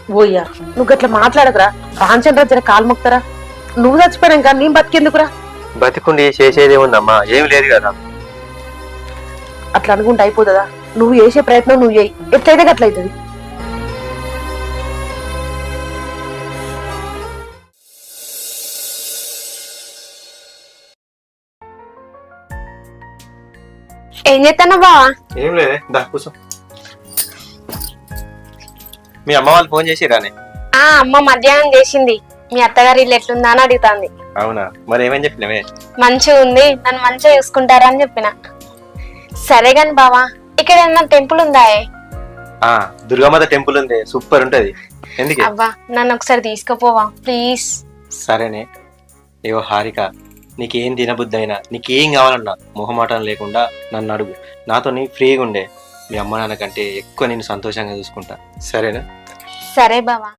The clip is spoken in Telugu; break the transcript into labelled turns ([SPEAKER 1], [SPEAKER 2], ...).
[SPEAKER 1] ఓయ్యా నువ్వు గట్లా మాట్లాడకురా. రామచంద్ర జర కాలు మొక్తారా. నువ్వు చచ్చిపోయాక నేను బతికెందుకురా?
[SPEAKER 2] బతికుండి చేసేది ఉందమ్మా, ఏం లేదు కదా.
[SPEAKER 1] అట్లా అనుకుంటే అయిపోతుందా? నువ్వు చేసే ప్రయత్నం నువ్వు చేయి, ఎట్లయితే గట్లయితుంది.
[SPEAKER 3] ఏం చేస్తాను బావా?
[SPEAKER 2] ఏం లేదే, దా కూర్చో. మీ అమ్మ వాళ్ళు ఫోన్ చేసిరానే?
[SPEAKER 3] అమ్మ మధ్యాహ్నం చేసింది. మీ అత్తగారి ఇల్లు ఎట్లుందా అని అడుగుతాంది.
[SPEAKER 2] అవునా, మరి ఏమని చెప్పినవే?
[SPEAKER 3] మంచిగా ఉంది, నన్ను మంచిగా చూసుకుంటారా అని చెప్పిన. సరే గాని బావా, ఇక్కడ ఏమన్నా టెంపుల్ ఉందా?
[SPEAKER 2] దుర్గామాత టెంపుల్ ఉంది, సూపర్ ఉంటది. ఎందుకు?
[SPEAKER 3] అబ్బా నన్ను ఒకసారి తీసుకుపోవా ప్లీజ్.
[SPEAKER 2] సరేనే. ఏవో హారిక, నీకేం తినబుద్ధి అయినా, నీకేం కావాలన్నా మొహమాటం లేకుండా నన్ను అడుగు. నాతో నీ ఫ్రీగా ఉండే. మీ అమ్మ నాన్న కంటే ఎక్కువ నేను సంతోషంగా చూసుకుంటా. సరేనా?
[SPEAKER 3] సరే బావా.